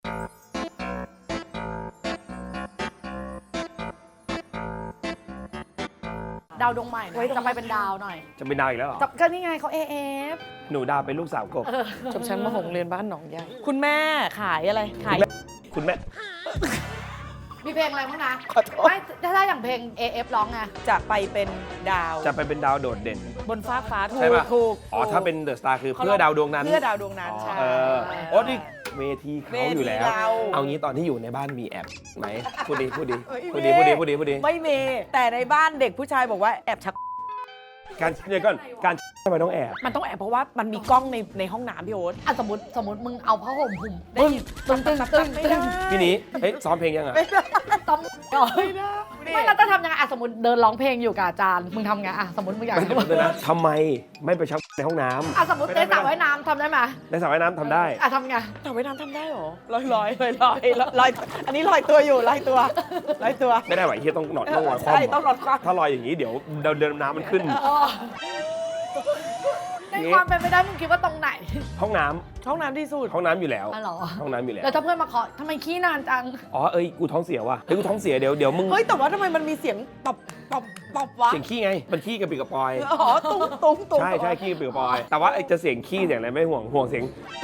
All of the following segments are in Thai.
ดาวดวงใหม่จะไปเป็นดาวหน่อยจะเป็นดาวอีกแล้วเหรอก็นี่ไงเขา AF หนูดาวเป็นลูกสาวกบจบชั้นม.6 เรียนบ้านหนองใหญ่คุณแม่ขายอะไรขายคุณแม่มีเพลงอะไรบ้างนะไม่ถ้าอย่างเพลง AF ร้องไงจะไปเป็นดาวจะไปเป็นดาวโดดเด่นบนฟ้าถูกใช่ป่ะถูกอ๋อถ้าเป็นเดอะสตาร์คือเพื่อดาวดวงนั้นเพื่อดาวดวงนั้นใช่โอ้นี่เวทีเขาอยู่แล้วเอางี้ตอนที่อยู่ในบ้านมีแอบไหมพูดดีไม่มีแต่ในบ้านเด็กผู้ชายบอกว่าแอบชักการเนี่ยก่อนการทำไมต้องแอบมันต้องแอบเพราะว่ามันมีกล้องในห้องน้ำพี่โอ๊ตสมมติมึงเอาผ้าห่มหุ่มตึ้งพี่นี้เฮ้ยซ้อมเพลงยังอ่ะต้องไม่แล้วจะทำยังไงสมมติเดินร้องเพลงอยู่กับอาจารย์มึงทำไงสมมติมึงอยากนะทำไมไม่ไปชักในห้องน้ำสมมติในสระว่ายน้ำทำได้ไหมในสระว่ายน้ำทำได้ทำไงสระว่ายน้ำทำได้หรอลอยอันนี้ลอยตัวอยู่ลอยตัวไม่ได้ไหวที่ต้องนอนต้องลอยคว่ำใช่ต้องนอนคว่ำถ้าลอยอย่างนี้เดี๋ยวเดินน้ำมันขึ้นในความเป็นไปได้มึงคิดว่าตรงไหนห้องน้ำที่สุดห้องน้ำอยู่แล้วห้องน้ำอยู่แล้วแล้วถ้าเพื่อนมาขอทำไมขี้นานจังกูท้องเสียว่ะกูท้องเสียเดี๋ยวมึงเฮ้ยแต่ว่าทำไมมันมีเสียงตบวะเสียงขี้ไงมันขี้กระปิกระปอยตุ้งใช่ขี้กระปิกระปอยแต่ว่าจะเสียงขี้เสียงอะไรไม่ห่วงเสียง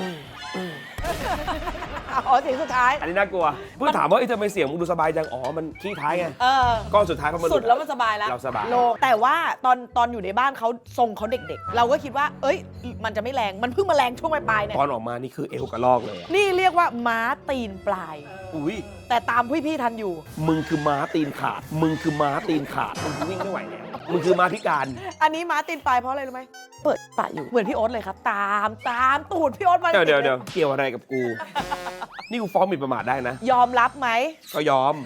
เสียงสุดท้ายอันนี้น่ากลัวเพิ่งถามว่าทำไมเสียงมึงดูสบายจังมันขี้ท้ายไงก้อนสุดท้ายเขามาสุดแล้วมันสบายแล้วเราสบายแต่ว่าตอนอยู่ในบ้านเขาทรงเขาเด็กๆเราก็คิดว่าเอ้ยมันจะไม่แรงมันเพิ่งมาแรงช่วงปลายเนี่ยตอนออกมานี่คือเอวกระลอกเลยนี่เรียกว่าม้าตีนปลายอุ้ยแต่ตามพี่ทันอยู่มึงคือม้าตีนขาดมึงคือวิ่งไม่ไหวแล้วมึงคือม้าพิการอันนี้ม้าตีนปลายเพราะอะไรรู้ไหมเปิดปะอยู่เหมือนพี่โอ๊ตเลยครับตามตูดพี่โอ๊ตมาเดี๋ยวเกี่ยวอะไรกับกูนี่กูฟ้องหมิ่นประมาทได้นะยอมรับไหมก็ยอม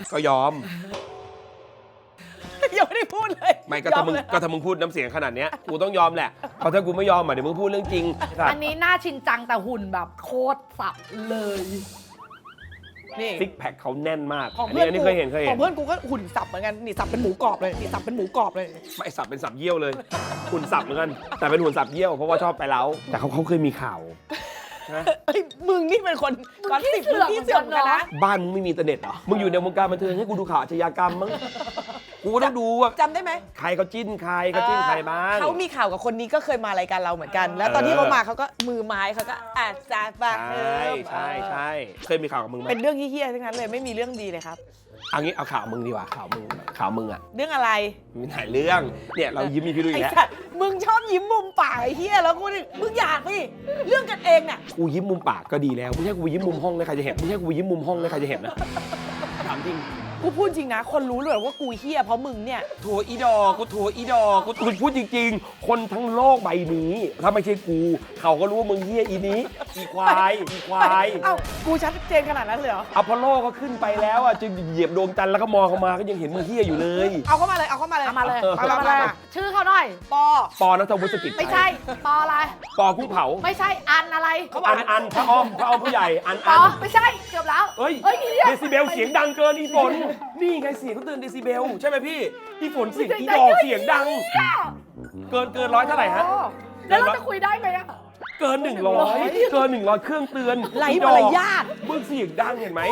ยังไม่ได้พูดเลยไม่ก็ถ้ามึงพูดน้ำเสียงขนาดเนี้ยกูต้องยอมแหละเพราะถ้ากูไม่ยอมเดี๋ยวมึงพูดเรื่องจริงอันนี้หน้าชินจังแต่หุ่นแบบโคตรสับเลยนี่ซิกแพคเขาแน่นมากอันนี้เคยเห็นของเพื่อนกูก็หุ่นสับเหมือนกันนี่สับเป็นหมูกรอบเลยไม่สับเป็นสับเยี่ยวเลยหุ่นสับเหมือนกันแต่เป็นหุ่นสับเยี่ยวเพราะว่าชอบไปเล้าแต่เขาเคยมีข่าวมึงนี่เป็นคนก้อนสิบมึงที่เสื่อมกันนะบ้านมึงไม่มีอินเทอร์เน็ตเหรอมึงอยู่ในวงการบันเทิงให้กูดูข่าวอาชญากรรมมั้งกูต้องดูว่าจำได้ไหมใครเขาจิ้นใครบ้างเขามีข่าวกับคนนี้ก็เคยมารายการเราเหมือนกันแล้วตอนที่เขามาเขาก็มือไม้เขาก็จาบใช่เคยมีข่าวกับมึงไหมเป็นเรื่องเหี้ยๆทั้งนั้นเลยไม่มีเรื่องดีเลยครับเอางี้เอาข่าวมึงดีกว่าข่าวมึงอะเรื่องอะไรมีหลายเรื่องเนี่ยเรายิ้มมีพี่ดูอีกแล้วมึงชอบยิ้มมุมปากไอ้เหี้ยแล้วกูมึงอยากพี่เรื่องกันเองเนี่ยกูยิ้มมุมปากก็ดีแล้วไม่ใช่กูยิ้มมุมห้องนะใครจะเห็นนะถามจริงกูพูดจริงนะคนรู้เลยว่ากูเหี้ยเพราะมึงเนี่ยโถอีดอกกูพูดจริงๆคนทั้งโลกใบนี้ถ้าไม่ใช่กูเขาก็รู้ว่ามึงเหี้ยอีนี้อีควายเอ้ากูชัดเจนขนาดนั้นเลยเหรออพอลโลก็ขึ้นไปแล้วอ่ะจะเหยียบดวงจันทร์แล้วก็มองเข้ามาก็ยังเห็นมึงเหี้ยอยู่เลยเอาเข้ามาเลยชื่อเขาหน่อยปอณัฐวุฒิกิจไม่ใช่ปออะไรปอกุ้งเผาไม่ใช่อันอะไรอันพระอ้อมผู้ใหญ่อันไม่ใช่เกือบแล้วเฮ้ยเดซิเบลเสียงดังเกินอีฝนนี่ไงเสียงเขาเตือนเดซิเบลใช่ไหมพี่อีฝนเสียงอีดอกเสียงดังเกิน100เท่าไหร่ฮะแล้วเราจะคุยได้ไหมอะเกิน100เครื่องเตือนไร้มารยาทมึงเสียงดังเห็นไหม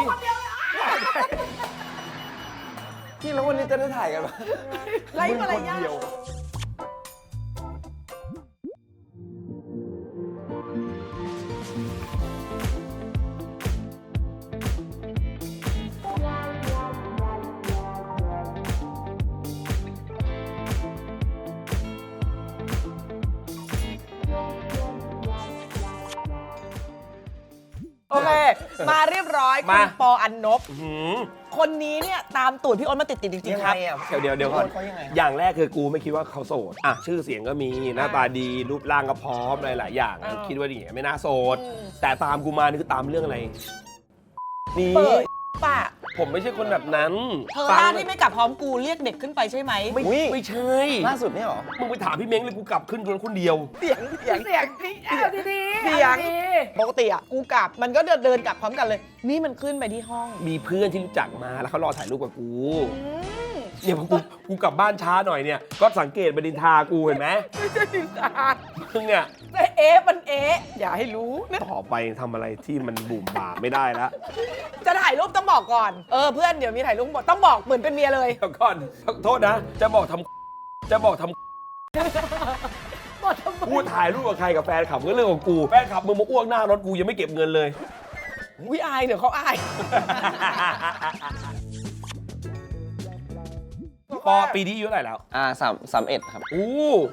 ที่แล้ววันนี้จะได้ถ่ายกันไหมไร้มารยาทโอเคมาเรียบร้อยคุณปออันนบคนนี้เนี่ยตามตูดพี่โอ๊ตมาติดจริงๆครับเดี๋ยวก่อนอย่างแรกคือกูไม่คิดว่าเขาโสดชื่อเสียงก็มีหน้าตาดีรูปร่างก็พร้อมหลายอย่างคิดว่าอย่างเงี้ยไม่น่าโสดแต่ตามกูมานี่คือตามเรื่องอะไรนี่ป่ะผมไม่ใช่คนแบบนั้นเธอหน้าที่ไม่กลับพร้อมกูเรียกเด็กขึ้นไปใช่ไหมไม่ใช่ล่าสุดนี่หรอมึงไปถามพี่เม้งเลยกูกลับขึ้นคนเดียวเสียงพี่ดีเสียงปกติอ่ะกูกลับมันก็เดินกลับพร้อมกันเลยนี่มันขึ้นไปที่ห้องมีเพื่อนที่รู้จักมาแล้วเขารอถ่ายรูปกับกูเนี่ยพอกูกลับบ้านช้าหน่อยเนี่ยก็สังเกตบดินทากูเห็นไหมไม่ใช่ดินทามึงเนี่ยมันอย่าให้รู้ต่อไปทำอะไรที่มันบุ่มบ่าไม่ได้แล้วจะถ่ายรูปต้องบอกก่อนเพื่อนเดี๋ยวมีถ่ายรูปหมดต้องบอกเหมือนเป็นเมียเลยเดี๋ยวก่อนโทษนะ จะบอกทำพูดถ่ายรูปกับใครกับแฟนขับก็เรื่องของกูแฟนขับมึงมาอ้วกหน้ารถกูยังไม่เก็บเงินเลยวิอายเดี๋ยวเขาอายปอปีนี้อายุเท่าไหร่แล้ว 31ครับอู้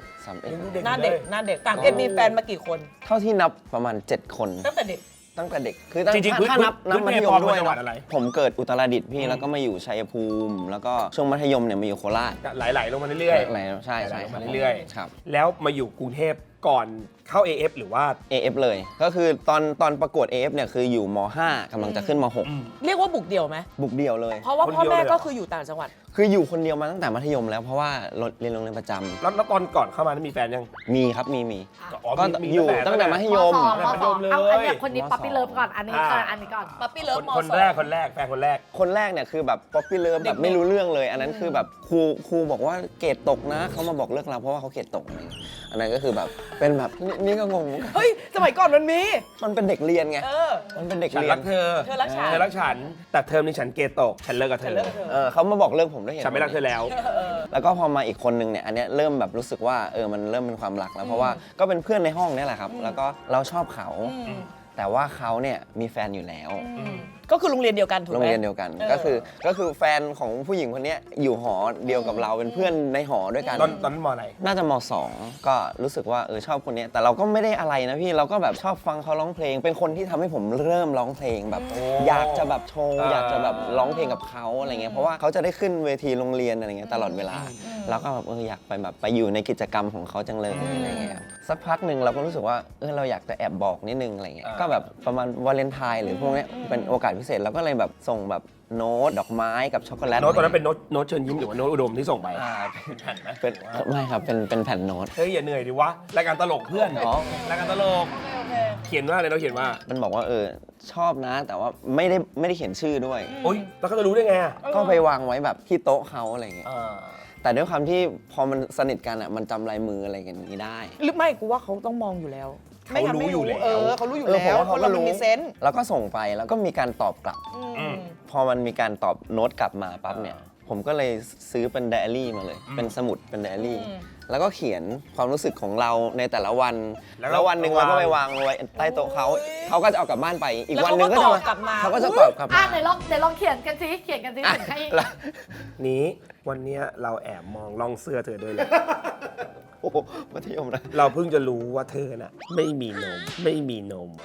31 หน้าเด็กต่างมีแฟนมากี่คนเท่าที่นับประมาณ 7 คนตั้งแต่เด็กตั้งแต่เด็กคือจริงๆถ้านับพื้นมัธยปมอด้วยจังหวัดอะไรผมเกิดอุตรดิตถ์พี่แล้วก็มาอยู่ชัยภูมิ แล้วก็ช่วงมัธยมเนี่ยมาอยู่โคราชไหลๆลงมาเรื่อยอะไรใช่ๆใช่ไหลๆลงครัมาบเรื่อยครับๆแล้วมาอยู่กรุงเทพก่อนเข้า AF หรือว่า AF เลยก็คือตอนประกวด AF เนี่ยคืออยู่ม .5 กำลังจะขึ้นมเรียกว่าบุกเดี่ยวไหม .6 บุกเดี่ยวเลยเพราะว่าคนพ่อเดียวแม่เลยเหรอก็คืออยู่ต่างจังหวัดคืออยู่คนเดียวมาตั้งแต่มัธยมแล้วเพราะว่าเรียนโรงเรียนประจำแล้วตอนก่อนเข้ามามีแฟนยังมีครับมีอ๋อก็มีอยู่ตั้งแต่มัธยมมมัธยมเลยเอาอันเนี้ยคนนี้ป๊อปปี้เลิฟก่อนอันนี้ก่อนอันนี้ก่อนปั๊ปปี้เลิฟมคนแรกแฟนคนแรกคนแรกเนี่ยคือแบบป๊อปปี้เลิฟแบบไม่รู้เรื่องเลย อันนั้นคือแบบครูบอกว่าเกรดตกนะเขามาบอกเลิกเราเพราะว่าเขาเกรดตกอะไรอย่างเงี้ยอันนั้นก็คือแบบเป็นแบบนี่ก็งงเฮ้ยสมัยก่อนมันมีมันเป็นเด็กเรียนไง มันเป็นเด็กฉันเรียรันกเธอเธอรักฉันเธอรักฉัน แต่เทอมนี้ฉันเกรดตก ฉันเลิกกับเธอเขามาบอกเลิกผมด้วยเหตุฉันไม่รักเธอแล้วแล้วก็พอมาอีกคนนึงเนี่ยอันเนี้ยเริ่มแบบรู้สึกว่ามันเริ่มเป็นความรักแล้วเพราะว่าก็เป็นเพื่อนในห้องเนี่ยแหละครับ แล้วก็เราชอบเขา แต่ว่าเขาเนี่ยมีแฟนอยู่แล้วก็คือโรงเรียนเดียวกันถูกไหมโรงเรียนเดียวกัน ก็คือแฟนของผู้หญิงคนเนี้ยอยู่หอเดียวกับเราเป็นเพื่อนในหอด้วยกันตอนนั้นมอไหนน่าจะม .2 ก็รู้สึกว่าชอบคนเนี้ยแต่เราก็ไม่ได้อะไรนะพี่เราก็แบบชอบฟังเขาร้องเพลง เป็นคนที่ทำให้ผมเริ่มร้องเพลงแบบ อยากจะแบบโชว์อยากจะแบบร้องเพลงกับเขาอะไรเงี้ยเพราะว่าเขาจะได้ขึ้นเวทีโรงเรียนอะไรเงี้ยตลอดเวลาเราก็แบบอยากไปแบบไปอยู่ในกิจกรรมของเขาจังเลยอะไรเงี้ยสักพักหนึ่งเราก็รู้สึกว่าเราอยากจะแอบบอกนิดนึงอะไรเงี้ยก็แบบประมาณวาเลนไทน์หรือพวกเนี้ยเป็นโอกาสพิเศษเราก็เลยแบบส่งแบบโน้ตดอกไม้กับช็อกโกแลตโน้ตตอนนั้นเป็นโน้ตเชิญยิ้มหรือว่าโน้ตอุดมที่ส่งไปเป็นแผ่นไหมไม่ครับเป็นแผ่นโน้ตเฮ้ยอย่าเหนื่อยดิวะ รายการตลกเพื่อนอ๋อรายการตลก เขียนว่าอะไรเราเขียนว่ามันบอกว่าชอบนะ แต่ว่าไม่ได้เขียนชื่อด้วยโอ๊ยแล้วเขาจะรู้ได้ไงอะก็ไปวางไว้แบบที่โต๊ะเขาอะไรเงี้ยแต่ด้วยความที่พอมันสนิทกันอ่ะมันจำลายมืออะไรกันอย่างนี้ได้หรือไม่กูว่าเขาต้องมองอยู่แล้ว ไม่งั้นไม่รู้ เขารู้อยู่ผมแล้วว่าคนเรามันมีเซนส์แล้วก็ส่งไปแล้วก็มีการตอบกลับ พอมันมีการตอบโน้ตกลับมาปั๊บเนี่ยผมก็เลยซื้อเป็นไดอารี่มาเลย เป็นสมุดเป็นไดอารี่แล้วก็เขียนความรู้สึกของเราในแต่ละวัน แล้ววันหนึ่งเราก็ไปวางไว้ใต้โต๊ะเขาก็จะเอากลับบ้านไปอีกวันหนึ่งก็จะเขาก็จะตอบกลับอ่ะมาไหนลองเขียนกันสิเขียนกันสิถึงให้นี้วันเนี้ยเราแอบมองล่องเสื้อเธอด้วยเลยโอ้โหมัธยมนะเราเพิ่งจะรู้ว่าเธอน่ะ ไม่มีนม ไม่มีนม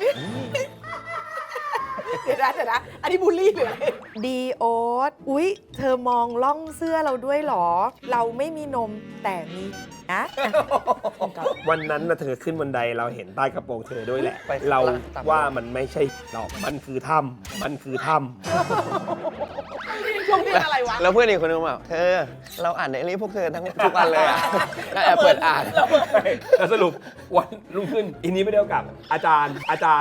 เดี๋ยวนะอันนี้บูลลี่หรืออะไรดีโอ๊ตอุ๊ย เธอมองล่องเสื้อเราด้วยเหรอ เราไม่มีนมแต่มีนะวันนั้นนะเธอขึ้นบันไดเราเห็นใต้กระโปรงเธอด้วยแหละไปเราตับว่ามันไม่ใช่หรอกมันคือถ้ำมันคือถ้ช่วงนี้อะไรวะแล้วเพื่อนอีกคนนึงบอกเธอเราอ่านไดอารี่พวกเธอทุกวันเลยอะก็แอบเปิดอ่านำแล้วสรุปวันรุ่งขึ้นอีนี้ไม่ได้เอากลับ อาจารย์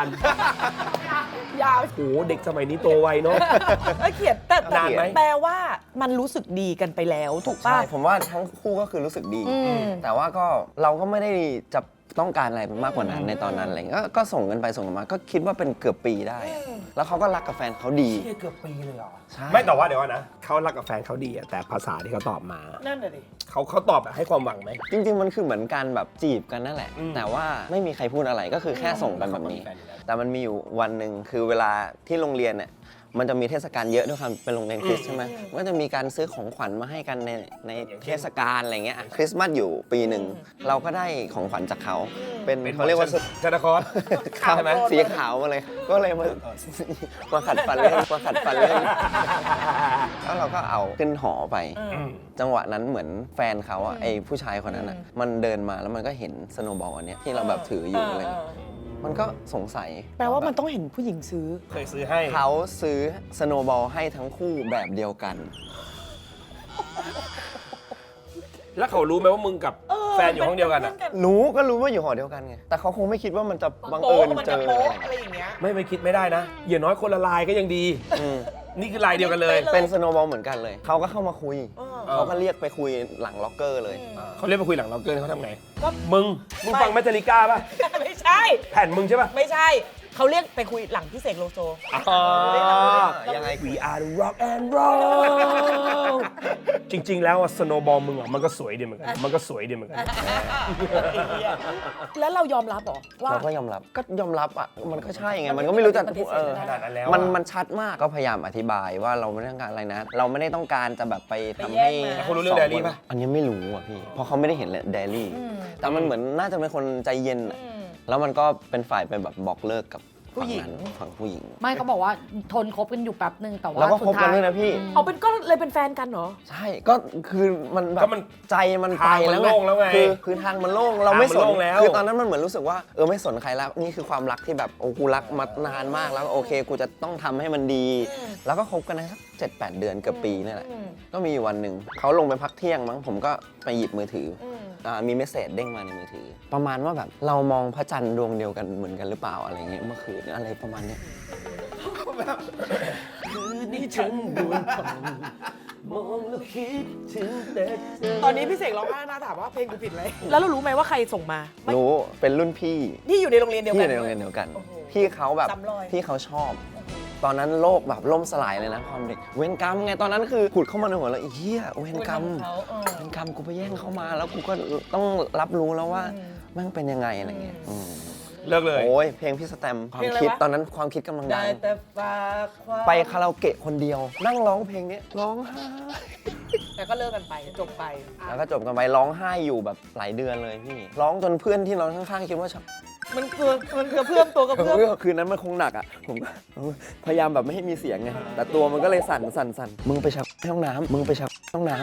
ยาวโหเด็กสมัยนี้โตไวเนาะเขียนแต่นานไหมแปลว่ามันรู้สึกดีกันไปแล้วถูกป่ะใช่ผมว่าทั้งคู่ก็คือรู้สึกดีอืมแต่ว่าก็เราก็ไม่ได้จะต้องการอะไรมากกว่านั้นในตอนนั้นอะไรเงี้ยก็ส่งกันไปส่งกันมา ก็คิดว่าเป็นเกือบปีได้อะแล้วเขาก็รักกับแฟนเขาดีเกือบปีเลยเหรอใช่ไม่แต่ว่าเดี๋ยวนะเขารักกับแฟนเขาดีอะแต่ภาษาที่เขาตอบมานั่นน่ะดิเขาตอบแบบให้ความหวังไหมจริง ๆ มันคือเหมือนการแบบจีบกันนั่นแหละอืมแต่ว่าไม่มีใครพูดอะไรก็คือแค่ส่งกันแบบนี้ แต่มันมีอยู่วันหนึ่งคือเวลาที่โรงเรียนเนี่ยมันจะมีเทศกาลเยอะด้วยความเป็นโรงเรียนคริสต์ใช่ไหมมันก็จะมีการซื้อของขวัญมาให้กันในเทศกาลอะไรเงี้ยอ่ะคริสต์มาสอยู่ปีหนึ่งเราก็ได้ของขวัญจากเขาเป็นเขาเรียกว่าชนครขาวสีขาวมาเลย ก็เลยมาขัดฟันเล่นแล้วเราก็เอาขึ้นหอไป จังหวะนั้นเหมือนแฟนเขาอ่ะไอ้ผู้ชายคนนั้นอ่ะมันเดินมาแล้วมันก็เห็นสโนว์บอลอันเนี้ยที่เราแบบถืออยู่อะไรเงี้ยมันก็สงสัยแปลว่ามันต้องเห็นผู้หญิงซื้อเคยซื้อให้เขาซื้อสโนว์บอลให้ทั้งคู่แบบเดียวกันแล้วเขารู้ไหมว่ามึงกับแฟนอยู่ห้องเดียวกันอะรู้ก็รู้ว่าอยู่หอเดียวกันไง แต่เขาคงไม่คิดว่ามันจะบังเอิญเจออะไรอย่างเงี้ยไม่คิดไม่ได้นะอย่างน้อยคนละลายก็ยังดีอืมนี่คือลายเดียวกันเลยเป็นสโนว์บอลเหมือนกันเลย เขาก็เข้ามาคุย เขาก็เรียกไปคุยหลังล็อกเกอร์เลยเขาเรียกมาคุยหลังเราเกินเขาทำไงก็มึงฟังแมทริก้าป่ะไม่ใช่แผ่นมึงใช่ป่ะไม่ใช่ เขาเรียกไปคุยหลังพี่เสกโลโซอ๋อยังไง We are the rock and roll จริงๆแล้วสโนว์บอลมึงมันก็สวยดีเหมือนกันมันก็สวยดีเหมือนกันแล้วเรายอมรับเหรอว่าเราก็ยอมรับอ่ะมันก็ใช่ไงมันก็ไม่รู้จะพูดขนาดนั้นแล้วมันชัดมากก็พยายามอธิบายว่าเราไม่ได้ต้องการอะไรนะ เราไม่ได้ต้องการจะแบบไปทำให้แต่เขารู้เรื่อง Daily ป่ะอันนี้ไม่รู้อ่ะพี่เพราะเขาไม่ได้เห็นเดลี่แต่มันเหมือนน่าจะเป็นคนใจเย็นอะแล้วมันก็เป็นฝ่ายไปแบบบอกเลิกกับฝั่งนั้นฝั่งผู้หญิงไม่เขาบอกว่าทนคบกันอยู่แป๊บนึงแต่ว่าแล้วก็คบกันสุด้วยท้ายนะพี่เอาเป็นก็เลยเป็นแฟนกันเหรอใช่ก็คือมันแบก็บมันใจมันไปแล้วทางมันโล่งแล้วไงคือทางมันโล่งเราไม่สทางมันนโล่งแล้วคือตอนนั้นมันเหมือนรู้สึกว่าไม่สนใครแล้วนี่คือความรักที่แบบโอ้กูรักมานานมากแล้วโอเคกูจะต้องทำให้มันดี แล้วก็คบกันได้สัก7-8 เดือนเกือบปีนี่แหละก็มีอยู่วันหนึ่งเขาลงไปพักเที่ยงมั้งผมก็ไปหยิบมือถือมีเมสเซจเด้งมาในมือถือ ประมาณว่าแบบเรามองพระจันทร์ดวงเดียวกันเหมือนกันหรือเปล่าอะไรเงี้ยเมื่อคืนอะไรประมาณเนี้ยคืนนี้ฉันดวงทองมองแล้วคิดถึงแต่เธอตอนนี้พี่เสกร้องไห้นะถามว่าเพลงกูผิดไหมแล้วเรารู้ไหมว่าใครส่งมาไม่รู้เป็นรุ่นพี่ที่อยู่ในโรงเรียนเดียวที่กัอน ยู่ในโรงเรียนเดียวกันโอ้โหพี่เขาแบบซ้ำรอยพี่เขาชอบ ตอนนั้นโลกแบบล่มสลายเลยนะความเด็กเวรกรรมไงตอนนั้นคือผุดเข้ามาในหัวแล้วไอ้เหี้ยเวรกรรมเวรกรรมกูไปแย่งเขามาแล้วกูก็ต้องรับรู้แล้วว่าแม่งเป็นยังไงอะไรเงี้ยเลิกเลยโอ้ยเพลงพี่สแตมป์ความคิดตอนนั้นความคิดกำลังดัได้งแต่ฝากความไปคาราโอเกะคนเดียว นั่งร้องเพลงนี้ร้องไห้แต่ก็เลิกกันไปจบไปแล้วก็จบกันไปร้องไห้อยู่แบบหลายเดือนเลยพี่ร้องจนเพื่อนที่นอนข้างๆคิดว่าชักมันเกระเพื่อมตัวกระเพื่อมคืนนั้นมันคงหนักอ่ะผมก็พยายามแบบไม่ให้มีเสียงไงแต่ตัวมันก็เลยสั่นมึงไปชักห้องน้ำมึงไปชักห้องน้ำ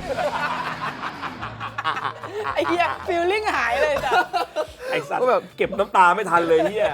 ไอ้เหี้ยฟีลลิ่งหายเลยจ้ะไอ้สัตว์ก็แบบเก็บน้ำตาไม่ทันเลยเฮีย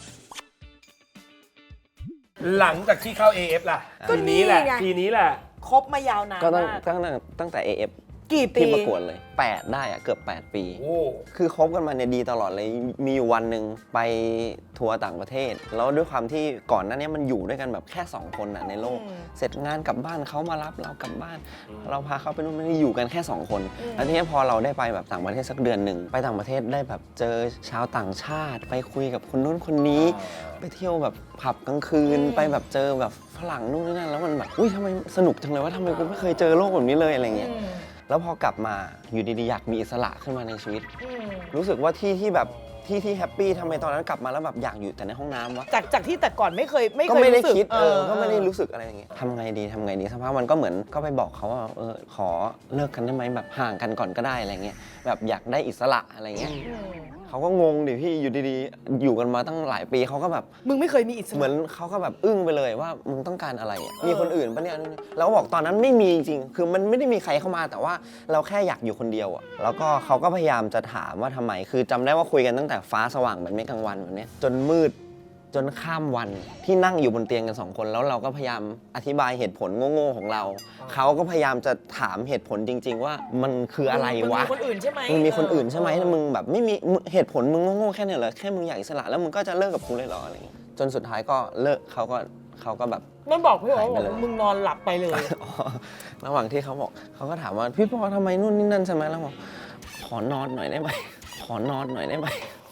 หลังจากที่เข้า AF ล่ะก็ทีนี้แหละนี่ไงทีนี้แหละคบมายาวนานก็มากตั้งแต่ AF กี่ปีที่ประกวดเลย 8 ได้อะเกือบ 8 ปีโอ้คือคบกันมาเนี่ยดีตลอดเลย มีอยู่วันหนึ่งไปทัวร์ต่างประเทศ แล้วด้วยความที่ก่อนหน้านี้มันอยู่ด้วยกันแบบแค่ 2 คนน่ะในโลก เสร็จงานกลับบ้านเขามารับเรากลับบ้าน เราพาเขาไปนู่นนี่อยู่กันแค่ 2 คน แล้วทีนี้พอเราได้ไปแบบต่างประเทศสักเดือนหนึ่งไปต่างประเทศได้แบบเจอชาวต่างชาติ ไปคุยกับคนนู้นคนนี้ ไปเที่ยวแบบผับกลางคืน ไปแบบเจอแบบฝรั่งนู่นนี่นั่นแล้วมันแบบอุ้ยทำไมสนุกจังเลยว่าทำไมกูไม่เคยเจอโลกแบบนี้เลยอะไรเงี้ย แล้วพอกลับมาอยู่ดีๆอยากมีอิสระขึ้นมาในชีวิต รู้สึกว่าที่แบบที่แฮปปี้ทำไมตอนนั้นกลับมาแล้วแบบอยากอยู่แต่ในห้องน้ำวะจากที่แต่ก่อนไม่เคยก็ไม่ได้รู้สึกคิดก็ไม่ได้รู้สึกอะไรอย่างเงี้ยทำไงดีสักพักมันก็เหมือนก็ไปบอกเขาว่าขอเลิกกันได้ไหมแบบห่างกันก่อนก็ได้อะไรเงี้ยแบบอยากได้อิสระอะไรเงี้ยเขาก็งงดิพี่อยู่ดีๆอยู่กันมาตั้งหลายปีเขาก็แบบมึงไม่เคยมีอิสระเหมือนเขาก็แบบอึ้งไปเลยว่ามึงต้องการอะไรอะมีคนอื่นปะเนี่ยแล้วก็บอกตอนนั้นไม่มีจริงๆคือมันไม่ได้มีใครเข้ามาแต่ว่าเราแค่อยากอยู่คนเดียวอะแล้วก็เขาก็พยายามจะถามว่าทำไมคือจำได้ว่าคุยกันตั้งแต่ฟ้าสว่างเหมือนไม่กลางวันแบบเนี้ยจนมืดจนข้ามวันที่นั่งอยู่บนเตียงกัน2 คนแล้วเราก็พยายามอธิบายเหตุผลโง่ๆของเราเขาก็พยายามจะถามเหตุผลจริง ๆ ว่ามันคืออะไรวะมึงมีคนอื่นใช่ไหมมึงมีคนอื่นใช่ไหมมึงแบบไม่มีเหตุผลมึงโง่ๆแค่เนี้ยเหรอแค่มึงอยากอิสระแล้วมึงก็จะเลิกกับกูเลยเหรออะไรอย่างเงี้ยจนสุดท้ายก็เลิกเขาก็แบบมันบอกพี่บอกหายไปเลยว่ามึงนอนหลับไปเลยอ๋อระหว่างที่เขาบอกเขาก็ถามว่าพี่ปอทำไมนู่นนี่นั่นใช่ไหมแล้วบอกขอนอนหน่อยได้ไหมขอนอนหน่อยได้ไหม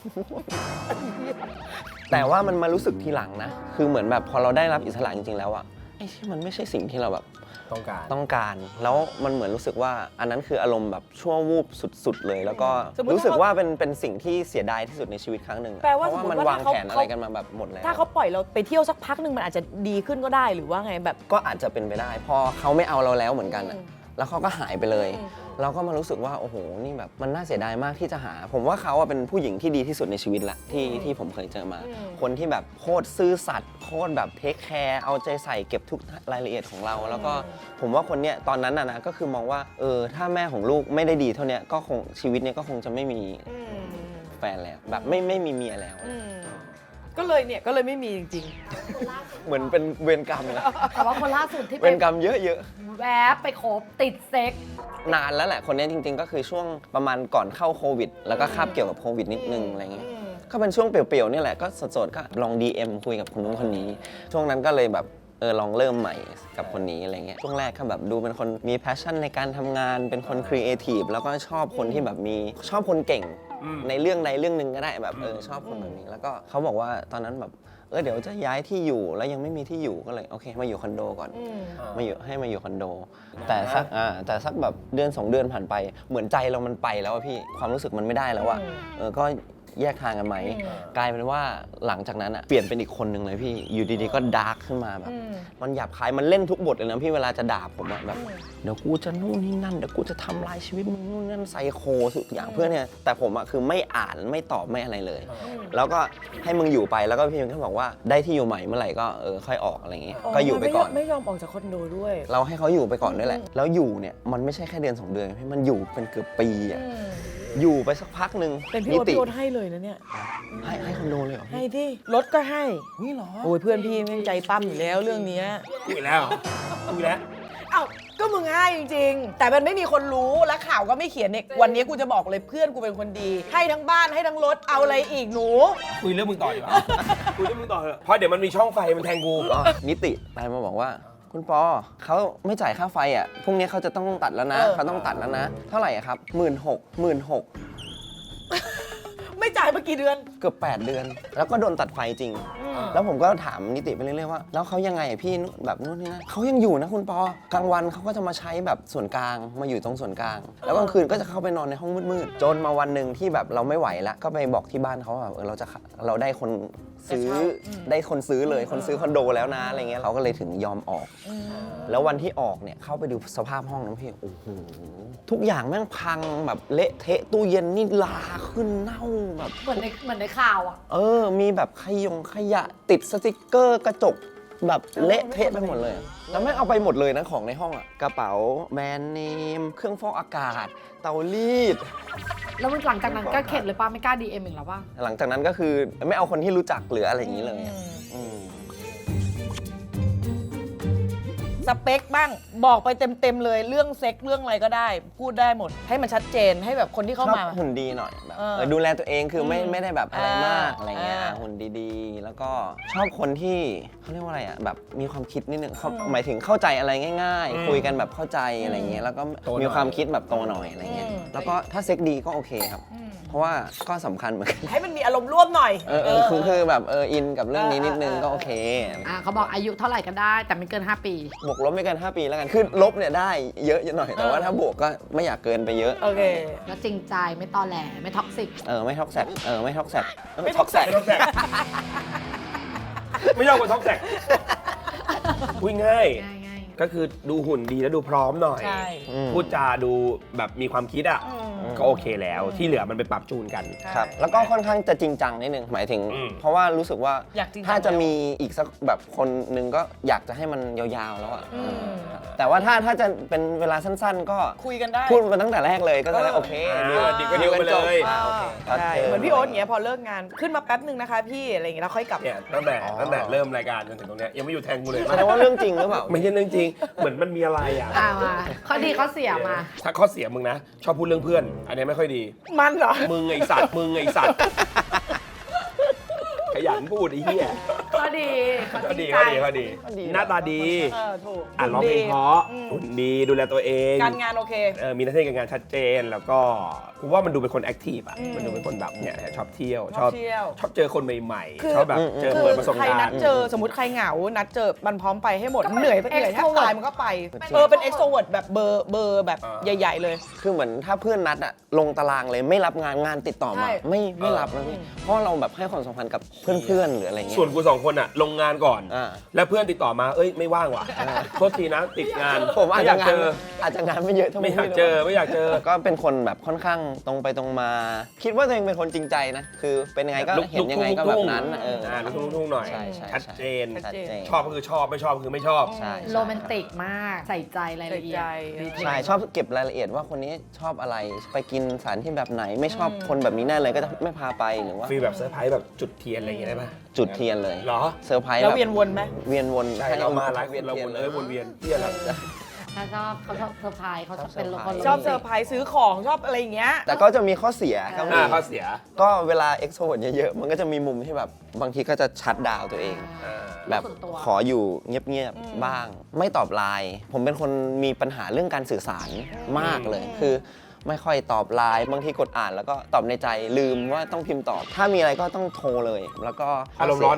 แต่ว่ามันมารู้สึกทีหลังนะคือเหมือนแบบพอเราได้รับอิสระจริงๆแล้วอะไอ้ที่มันไม่ใช่สิ่งที่เราแบบ ต้องการแล้วมันเหมือนรู้สึกว่าอันนั้นคืออารมณ์แบบชั่ววูบสุดๆเลยแล้วก็สมมุติรู้สึกว่าเป็นสิ่งที่เสียดายที่สุดในชีวิตครั้งหนึ่งอะแปลว่าเพราะว่าสมมุมันติว่าวางถ้าแผนเขาอะไรกันมาแบบหมดแล้วถ้าเขาปล่อยเราไปเที่ยวสักพักหนึ่งมันอาจจะดีขึ้นก็ได้หรือว่าไงแบบก็อาจจะเป็นไปได้ พอเขาไม่เอาเราแล้วเหมือนกันอะแล้วเขาก็หายไปเลย เราก็มารู้สึกว่าโอ้โหนี่แบบมันน่าเสียดายมากที่จะหา ผมว่าเขาอะเป็นผู้หญิงที่ดีที่สุดในชีวิตละที่ผมเคยเจอมา คนที่แบบโคตรซื่อสัตย์โคตรแบบเทคแคร์เอาใจใส่เก็บทุกรายละเอียดของเรา แล้วก็ผมว่าคนเนี้ยตอนนั้นนะก็คือมองว่าถ้าแม่ของลูกไม่ได้ดีเท่าเนี้ยก็คงชีวิตเนี้ยก็คงจะไม่มีแฟนแล้วแบบไม่มีเมียแล้วก็เลยไม่มีจริงเหมือนเป็นเวรกรรมนะแต่ว่าคนล่าสุดที่เวไปรกรรมเยอะแวบไปคบติดเซ็กนานแล้วแหละคนนี้จริงๆ ก็คือช่วงประมาณก่อนเข้าโควิด แล้วก็คาบเกี่ยวกับโควิดนิดนึงอะไรเงี้ยก็เป็นช่วงเปลี่ยวๆนี่แหละก็สดๆก็ลอง DM คุยกับคนนู้นคนนี้ ช่วงนั้นก็เลยแบบลองเริ่มใหม่กับคนนี้อะไรเงี้ยช่วงแรกก็แบบดูเป็นคนมีแพชชั่นในการทำงานเป็นคนครีเอทีฟแล้วก็ชอบคนที่แบบชอบคนเก่งในเรื่องใดเรื่องหนึ่งก็ได้แบบชอบคนแบบนี้แล้วก็เขาบอกว่าตอนนั้นแบบเดี๋ยวจะย้ายที่อยู่แล้วยังไม่มีที่อยู่ก็เลยโอเคมาอยู่คอนโดก่อนมาอยู่คอนโด แต่สักแบบเดือน 2 เดือนผ่านไปเหมือนใจเรามันไปแล้วอะพี่ความรู้สึกมันไม่ได้แล้วอะก็แยกทางกันไหมกลายเป็นว่าหลังจากนั้นอะเปลี่ยนเป็นอีกคนนึงเลยพี่อยู่ดีๆก็ดาร์กขึ้นมาแบบมันหยาบคายมันเล่นทุกบทเลยนะพี่เวลาจะด่าผมอะแบบเดี๋ยวกูจะนู่นนี่นั่นเดี๋ยวกูจะทำลายชีวิตมึงนู่นนั่นไซโคทุกอย่างเพื่อนเนี่ยแต่ผมอะคือไม่อ่านไม่ตอบไม่อะไรเลยแล้วก็ให้มึงอยู่ไปแล้วก็พี่มันก็บอกว่าได้ที่อยู่ใหม่เมื่อไหร่ก็ค่อยออกอะไรอย่างเงี้ยก็อยู่ไปก่อนไม่ยอมออกจากคอนโดด้วยเราให้เขาอยู่ไปก่อนด้วยแหละแล้วอยู่เนี่ยมันไม่ใช่แค่เดือน 2 เดือนพี่มันอยู่เป็นเกือบปีอะอยู่ไปสักพักหนึ่งเป็นพี่โอ๊ตให้เลยนะเนี่ยให้คอนโดเลยเหรอให้ที่รถก็ให้นี่เหรอโอ้ยเพื่อนพี่แม่งใจปั้มอยู่แล้วเรื่องเนี้ยกูอีกแล้วกูอีกแล้วเอ้าก็มึงให้จริงๆ แต่มันไม่มีคนรู้และข่าวก็ไม่เขียนเนี่ยวันนี้กูจะบอกเลยเพื่อนกูเป็นคนดี ให้ทั้งบ้านให้ทั้งรถเอาอะไรอีกหนูคุยเรื่องมึงต่อดีกว่าคุยเรื่องมึงต่อเถอะเพราะเดี๋ยวมันมีช่องไฟมันแทงกูนิติไลน์มาบอกว่าคุณปอเขาไม่จ่ายค่าไฟอ่ะพรุ่งนี้เขาจะต้องตัดแล้วนะเขาต้องตัดแล้วนะเท่าไหร่อะครับ16,000 ไม่จ่ายมากี่เดือนเกือบ8 เดือน แล้วก็โดนตัดไฟจริง แล้วผมก็ถามนิติไปเรื่อยๆว่าแล้วเขายังไงอะพี่แบบนู่นนี่นะเขายังอยู่นะคุณปอกลางวันเขาก็จะมาใช้แบบส่วนกลางมาอยู่ตรงส่วนกลาง แล้วกลางคืนก็จะเข้าไปนอนในห้องมืดๆจนมาวันหนึ่งที่แบบเราไม่ไหวแล้วก็ไปบอกที่บ้านเขาว่าเราได้คนซื้อได้คนซื้อเลยคนซื้อคอนโดแล้วนะอะไรเงี้ยเขาก็เลยถึงยอมออก แล้ววันที่ออกเนี่ยเข้าไปดูสภาพห้องนะพี่โอ้โหทุกอย่างแม่งพังแบบเละเทะตู้เย็นนี่ลาขึ้นเน่าแบบเหมือนในข่าวอ่ะมีแบบขยะติดสติกเกอร์กระจกแบบเละเทะไปหมดเลย แล้วแม่งเอาไปหมดเลยนะของในห้องอะกระเป๋าแบรนด์เนมเครื่องฟอกอากาศเตารีดแล้วหลังจากนั้นก็เข็ดเลยป้าไม่กล้า DM อีกแล้วป่ะหลังจากนั้นก็คือไม่เอาคนที่รู้จักหรืออะไรอย่างนี้เลยอะสเปคบ้างบอกไปเต็มๆเลยเรื่องเซ็กเรื่องอะไรก็ได้ พูดได้หมด ให้มันชัดเจนให้แบบคนที่ชเข้าอบมาหุ่นดีหน่อยแบบเออดูแลตัวเองคือไม่ได้แบบอะไรมากอ่าอะไรเงี้ยอ่าหุ่นดีๆ แล้วก็ชอบคนที่เขาเรียกว่าอะไรอะแบบมีความคิดนิดนึงเขาหมายถึงเข้าใจอะไรง่ายๆ คุยกันแบบเข้าใจอะไรเงี้ยแล้วก็มีความคิดแบบโตหน่อยอะไรเงี้ยแล้วก็ถ้าเซ็กดีก็โอเคครับ เพราะว่าก็สำคัญเหมือนกันให้มันมีอารมณ์ร่วมหน่อยคือแบบอินกับเรื่องนี้นิดนึงก็โอเคเขาบอกอายุเท่าไหร่ก็ได้แต่ไม่เกิน 5 ปีบวกลบไม่เกิน 5 ปีแล้วกันคือลบเนี่ยได้เยอะหน่อยแต่ว่าถ้าบวกก็ไม่อยากเกินไปเยอะโอเคแล้วจริงใจไม่ตอแหลไม่ท็อกซิกไม่ท็อกแซกไม่ท็อกแซกไม่ท็อกแซกไม่ต้องแสกไม่ยอมกดท้องแสกพูดง่ายง่ายก็คือดูหุ่นดีแล้วดูพร้อมหน่อยใช่พูดจาดูแบบมีความคิดอ่ะก็โอเคแล้วที่เหลือมันไปปรับจูนกันครับแล้วก็ค่อนข้างจะจริงจังนิดนึงหมายถึง เพราะว่ารู้สึกว่าอยากจริงจังถ้าจะมีอีกสักแบบคนนึงก็อยากจะให้มันยาวๆแล้วอ่ะแต่ว่าถ้าจะเป็นเวลาสั้นๆ ก็คุยกันได้พูดมาตั้งแต่แรกเลยก็จะได้โอเคดีก็ดีไปเลยโอเคใช่เหมือนพี่โอ๊ตอย่างเงี้ยพอเลิกงานขึ้นมาแป๊บหนึ่งนะคะพี่อะไรอย่างเงี้ยแล้วค่อยกลับเนี่ยตั้งแต่เริ่มรายการจนถึงตรงเนี้ยยังไม่อยู่แทงกูเลยแสดงว่าเรื่องจริงหรือเปล่าไม่ใช่เรื่องจริง เหมือนมันมีอะไรอ่ะมาข้อดีข้อเสียมาถ้าข้อเสียมึงนะ ชอบพูดเรื่องเพื่อน อันนี้ไม่ค่อยดีมันเหรอมึงไอสัตว์มึงไอสัตว์ขยันพูดไอ้เหี้ยข้อดีก็ดีจริงใจก็ดีหน้าตาดีถูกร้องเพลงเพราะหุ่นดีดูแลตัวเองการงานโอเคมีหน้าที่การงานชัดเจนแล้วก็กูว่ามันดูเป็นคนแอคทีฟอ่ะมันดูเป็นคนแบบเนี่ยชอบเที่ยวชอบเที่ยวชอบเจอคนใหม่คือๆชอบแบบเจอเปิดประสบใครการนัดณ์เจอสมมติใครเหงา นัดเจอมันพร้อมไปให้หมดก็เป็นเหนื่อยแทบ extrovert ตายมันก็ไปเป็นเอ็กโทรเวิร์ดแบบเบอร์แบบใหญ่ ๆ เลยคือเหมือนถ้าเพื่อนนัดอะลงตารางเลยไม่รับงานติดต่อใช่มาไม่รับนะพี่เพราะเราแบบให้ความสำคัญกับเพื่อนๆหรืออะไรเงี้ยส่วนกูสองคนอ่ะลงงานก่อนอ่าแล้วเพื่อนติดต่อมาเอ้ยไม่ว่างว่ะโทษทีนะติดงานผมอาจจะไม่ยกงาเจนออาจจะงานไม่เยอะเท่าไม่อยากเจอไม่อยากเจอก็เป็นคนแบบค่อนข้างตรงไปตรงมา คิดว่าตัวเองเป็นคนจริงใจนะ คือเป็นยังไงก็เห็นยังไงก็แบบนั้นอะลูกทุ่งๆหน่อยใช่ชัดเจนชัดเจนชอบก็คือชอบไม่ชอบคือไม่ชอบใช่โรแมนติกมากใส่ใจรายละเอียดใส่ใจดีเทลใช่ชอบเก็บรายละเอียดว่าคนนี้ชอบอะไรไปกินสถานที่แบบไหนไม่ชอบคนแบบนี้แน่เลยก็จะไม่พาไปหรือว่าฟีลแบบเซอร์ไพรส์แบบจุดเทียนอะไรอย่างเงี้ยได้ปะจุดเทียนเลยเหรอเซอร์ไพรส์แล้วแบบเวียนวนไหมเวียนวนใช่เรามาหลายคนเราวนเลยวนเวียนเที่ยอะไรถ้าชอบเขาชอบเซอร์ไพรส์เขาชอบเป็นคนชอบเซอร์ไพรส์ซื้อของชอบอะไรอย่างเงี้ยแต่ก็จะมีข้อเสียก็มีข้อเสียก็เวลาเอ็กโทรเวิร์ดเยอะๆ มันก็จะมีมุมที่แบบบางทีก็จะชัดดาวน์ตัวเอง แบบขออยู่เงียบๆบ้าง ไม่ตอบไลน์ผมเป็นคนมีปัญหาเรื่องการสื่อสารมากเลย คือไม่ค่อยตอบไลน์บางทีกดอ่านแล้วก็ตอบในใจลืมว่าต้องพิมพ์ตอบ ถ้ามีอะไรก็ต้องโทรเลย แล้วก็อารมณ์ร้อนไหม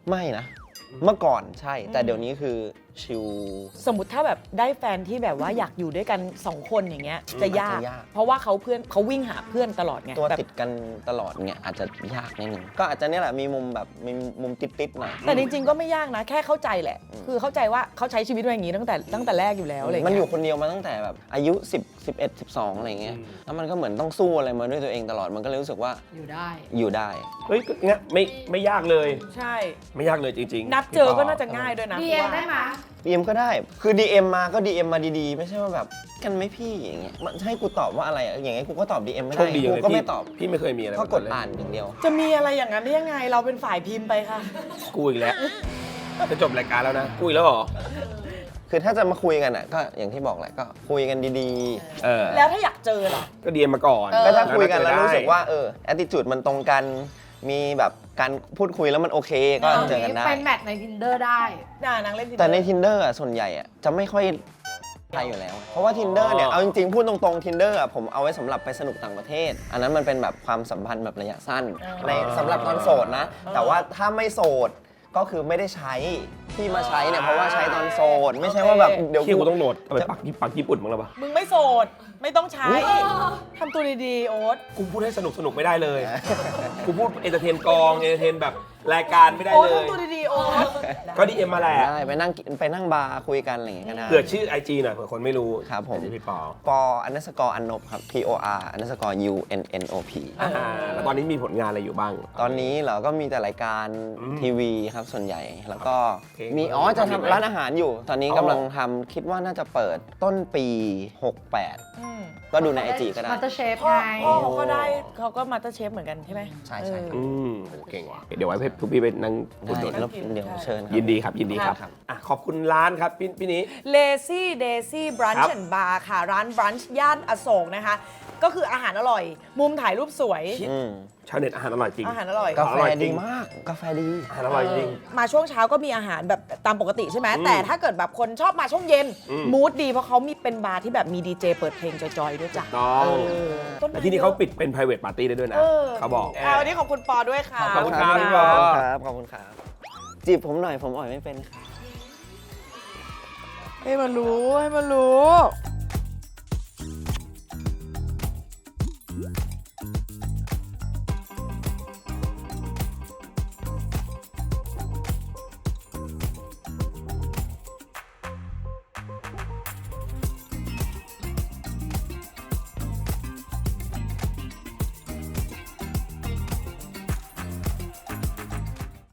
ไม่นะ เมื่อก่อนใช่ แต่เดี๋ยวนี้คือชิลสมมติถ้าแบบได้แฟนที่แบบว่าอยากอยู่ด้วยกัน 2 คนอย่างเงี้ยจะยากอาจจะยากเพราะว่าเขาวิ่งหาเพื่อนตลอดไงตัวแบบติดกันตลอดเนี่ยอาจจะยากนิดนึงก็อาจจะเนี่ยแหละมีมุมแบบมีมุมติดๆหน่อยแต่จริงๆก็ไม่ยากนะ แค่เข้าใจแหละ คือเข้าใจว่าเขาใช้ชีวิตมาอย่างนี้ตั้งแต่แรกอยู่แล้วอะไรมันเงี้อยู่คนเดียวมาตั้งแต่แบบอายุ10 11 12อะไรเงี้ยแล้วมันก็เหมือนต้องสู้อะไรมาด้วยตัวเองตลอดมันก็เลยรู้สึกว่าอยู่ได้อยู่ได้เฮ้ยเงี้ยไม่ยากเลยใช่ไม่ยากเลยจริงๆนัดเจอก็น่าจะง่ายด้วยนะ DM ว่าได้ไหม DM ก็ได้คือ DM มาก็ DM มาดีๆ ไม่ใช่ว่าแบบกันไหม่พี่อย่างเงี้ยมันให้กูตอบว่าอะไรอะอย่างเงี้ยกูก็ตอบ DM ไม่โชได้คดีอย่างกูเลยก็ไม่ตอบพี่ไม่เคยมีอะไรก็แบบกดเลยอ่านอย่างเดียวจะมีอะไรอย่างนั้นได้ยังไง เราเป็นฝ่ายพิมพ์ไปค่ะกูอีกแล้วจะจบรายการแล้วนะกูอีกแล้วเหรอคือถ้าจะมาคุยกันอ่ะก็อย่างที่บอกแหละก็คุยกันดีเออแล้วถ้าอยากเจอล่ะก็เดียมมาก่อนๆก็ถ้าคุยกันแล้วได้รู้สึกว่าattitude มันตรงกันมีแบบการพูดคุยแล้วมันโอเคก็เจอกันได้เป็นแมทใน Tinder ได้นางเล่นแต่ใน Tinder อ่ะส่วนใหญ่อ่ะจะไม่ค่อยใช่อยู่แล้ว เพราะว่า Tinder เนี่ยเอาจริงๆพูดตรงๆ Tinder อ่ะผมเอาไว้สำหรับไปสนุกต่างประเทศ อันนั้นมันเป็นแบบความสัมพันธ์แบบระยะสั้นในสำหรับตอนโสดนะ แต่ว่าถ้าไม่โสดก็คือไม่ได้ใช้ที่มาใช้เนี่ยเพราะว่าใช้ตอนโสดไม่ใช่ว่าแบบเดี๋ยวที่กูต้องโหลดเอาไปปักญี่ปุ่นมั้งแล้วปะมึงไม่โสด ไม่ต้องใช้ทำตัวดีๆ โอ๊ตกูพูดให้สนุกไม่ได้เลย กูพูดเอนเตอร์เทนกองเอนเตอร์เทนแบบรายการไม่ได้โอ๊ตเลยทำตัวดีๆ โอ๊ตก็ดีเอ็มมาแหละได้ไปนั่งบาร์คุยกันอะไรอย่างเงี้ยก็ได้เผื่อชื่อ IG หน่อยเผื่อคนไม่รู้ครับผมเดี๋ยวพี่ปอป_อันนบครับ POR_UNNOP แล้วตอนนี้มีผลงานอะไรอยู่บ้างตอนนี้เราก็มีแต่รายการอืมทีวีครับส่วนใหญ่ แล้วก็โอเคมีจะทำร้านอาหารอยู่ ตอนนี้กำลังทำคิดว่าน่าจะเปิดต้นปี 68 ก็ดูใน IG ก็ได้มาสเตอร์เชฟพ่อไงเขาก็มาสเตอร์เชฟเหมือนกันใช่ไหมใช่อืมโอ้เก่งว่ะเดี๋ยวไว้ให้ทุกพี่ไปนั่งอุดหนุนได้แล้วเดี๋ยวเชิญครับยินดีครับยินดีครับครับอ่ะขอบคุณร้านครับพี่นี้ Lazy Daisy ค Brunch รับ and Bar ค่ะ ร้าน brunch ย่านอโศกนะคะ ก็คืออาหารอร่อย มุมถ่ายรูปสวยอืมชาวเน็ตอาหารอร่อยจริงอาหารอร่อยกาแฟอร่อยจริดีงมาก กาแฟดีอาหารอร่อยจริงมาช่วงเช้าก็มีอาหารแบบตามปกติใช่ไหมอืมแต่ถ้าเกิดแบบคนชอบมาช่วงเย็นอืมมูดดีเพราะเขามีเป็นบาร์ที่แบบมีดีเจเปิดเพลงจอยๆด้วยจ้ะต้องต้นไม้และที่นี่เขาปิดเป็น private party ได้ด้วยนะ เขาบอกวันนี้ขอบคุณปอด้วยค่ะขอบคุณครับขอบคุณครับ ขอบคุณครับ จีบผมหน่อยผมอ่อยไม่เป็นครับให้มันรู้